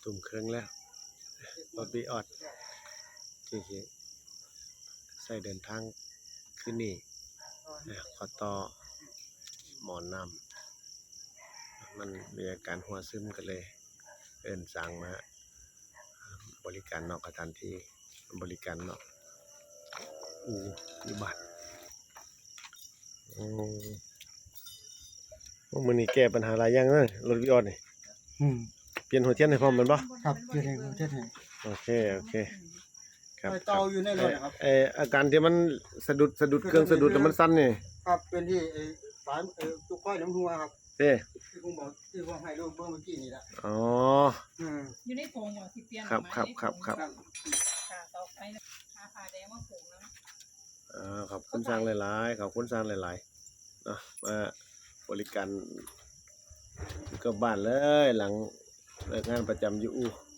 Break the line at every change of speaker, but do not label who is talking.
ทุ่มครึ่งแล้วรถบีออดที่ใส่เดินทางขึ้นนี่ขอต่อหมอนน้ำมันมีอาการหัวซึมกันเลยสั่งมาบริการนอกสถานที่บริการนอกอยู่บ้านมื้อนี้แก้ปัญหาหลายอย่างเลยรถวิออดนี่เปลี่ยนหัวเทียนให้พร้อมแม่นบ่
ครับเฮ็ดให้เฮ็ดให้
โอเคครับ
เตาอยู่ในรถครับ
อาการที่มันสะดุดเครื่องสะดุดแล้วมันสั่นนี่
ครับเป็นที่สายตุกค่อยน้ำหัวครับ
เด้
ที่ผมบอกที่ผมให้ลูกเมื่อกี้นี่แหละ
อ๋อ
อยู่ในโพงบ่ที่เปลี่ยน
ครับ
ค่ะเตาไฟผ้าแดงมาโพงแล้ว
ขอบคุณสร้างหลายๆขอบคุณสร้างหลายๆเนาะมาบริการอยู่กับบ้านเลยหลังเลิกงานประจำอยู่